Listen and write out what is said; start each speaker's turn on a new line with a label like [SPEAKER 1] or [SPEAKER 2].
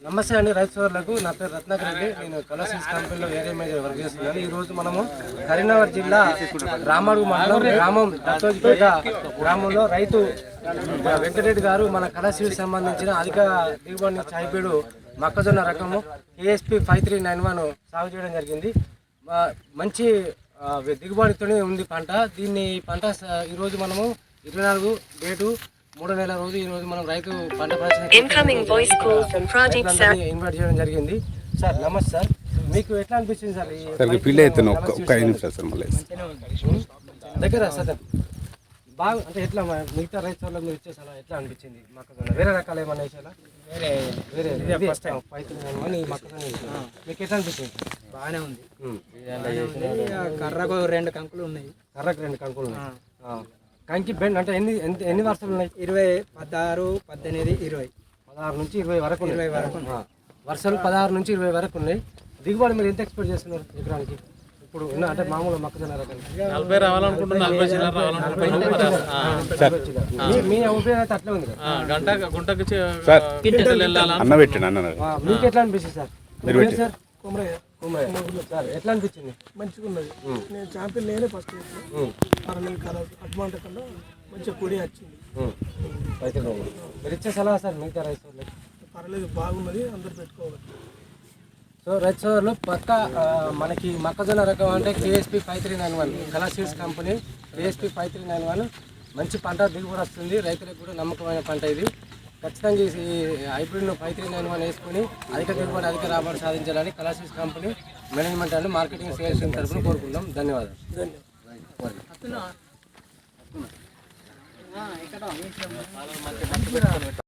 [SPEAKER 1] నమస్తే అండి రైతు సోదరులకు. నా పేరు రత్నాకర్ రెడ్డి. నేను కలర్ సీడ్స్ కంపెనీలో ఏరియా మేనేజర్ వర్క్ చేస్తున్నాను. ఈరోజు మనము కరీంనగర్ జిల్లా రామడుగు మండలం గ్రామం దత్తోజిపేట గ్రామంలో రైతు వెంకటరెడ్డి గారు మన కలర్ సీడ్స్ సంబంధించిన అధిక దిగుబడి హైబ్రిడ్ మొక్కజొన్న రకము KSP 5391 సాగు చేయడం జరిగింది. మంచి దిగుబడితోనే ఉంది పంట. పంట ఈరోజు మనము 24 డేటు 3వ నెల రోజు ఈరోజు మనం రైతు పంట ఇన్వైట్ చేయడం జరిగింది. సార్ నమస్తే సార్, మీకు ఎట్లా అనిపించింది సార్? దగ్గర సార్ బాగా అంటే ఎట్లా మిగతా రైతు వాళ్ళకి మీరు ఇచ్చేసారా? ఎట్లా అనిపించింది మొక్కజొన్న? వేరే రకాలు ఏమన్నా వేసారా? వేరే ఫస్ట్ టైం మొక్కజొన్న మీకు ఎట్లా అనిపించింది?
[SPEAKER 2] బాగానే ఉంది. కర్రకు 2 కంకులు ఉన్నాయి.
[SPEAKER 1] కర్రకు 2 కంకులు ఉన్నాయి. కంకి బెండ్ అంటే ఎన్ని వర్షాలు ఉన్నాయి?
[SPEAKER 2] 20, 16, 18, 20.
[SPEAKER 1] 16 నుంచి 20 వరకు. 20 వరకు వర్షాలు 16 నుంచి 20 వరకు ఉన్నాయి. దిగుబడి మీరు ఎంత ఎక్స్పెక్ట్ చేస్తున్నారు ఎకరానికి? ఇప్పుడు అంటే మామూలు మొక్కజొన్న రకాలు
[SPEAKER 3] 40 రావాలనుకుంటున్నాను. 40 రావాలనుకుంటున్నాను.
[SPEAKER 1] మీ అభిప్రాయం అయితే అట్లా ఉంది.
[SPEAKER 3] గుంటకు
[SPEAKER 1] మీకు ఎట్లా అనిపిస్తుంది సార్? సార్ సార్ ఎట్లా అనిపించింది?
[SPEAKER 4] మంచిగా ఉన్నది. నేను ఛాంపియన్ నేనే ఫస్ట్ అడ్వాంట కన్నా మంచిగా పొడి వచ్చింది.
[SPEAKER 1] మీరు ఇచ్చే సలహా సార్ మిగతా రైతు సోదరులకు?
[SPEAKER 4] పర్లేదు, బాగున్నది, అందరు పెట్టుకోవాలి.
[SPEAKER 1] సో రైతు సోదరులు పక్క మనకి మొక్కజొన్న రకం అంటే KSP 5391 colour seeds company KSP 5391 మంచి పంట దిగుబడి వస్తుంది. రైతులకు కూడా నమ్మకమైన పంట ఇది. ఖచ్చితంగా ఈ హైబ్రిడ్ను 5391 వేసుకొని అధిక దిగుబడి అధిక రాబడి సాధించాలని colour seeds company management and marketing sales తరఫున కోరుకుందాం. ధన్యవాదాలు.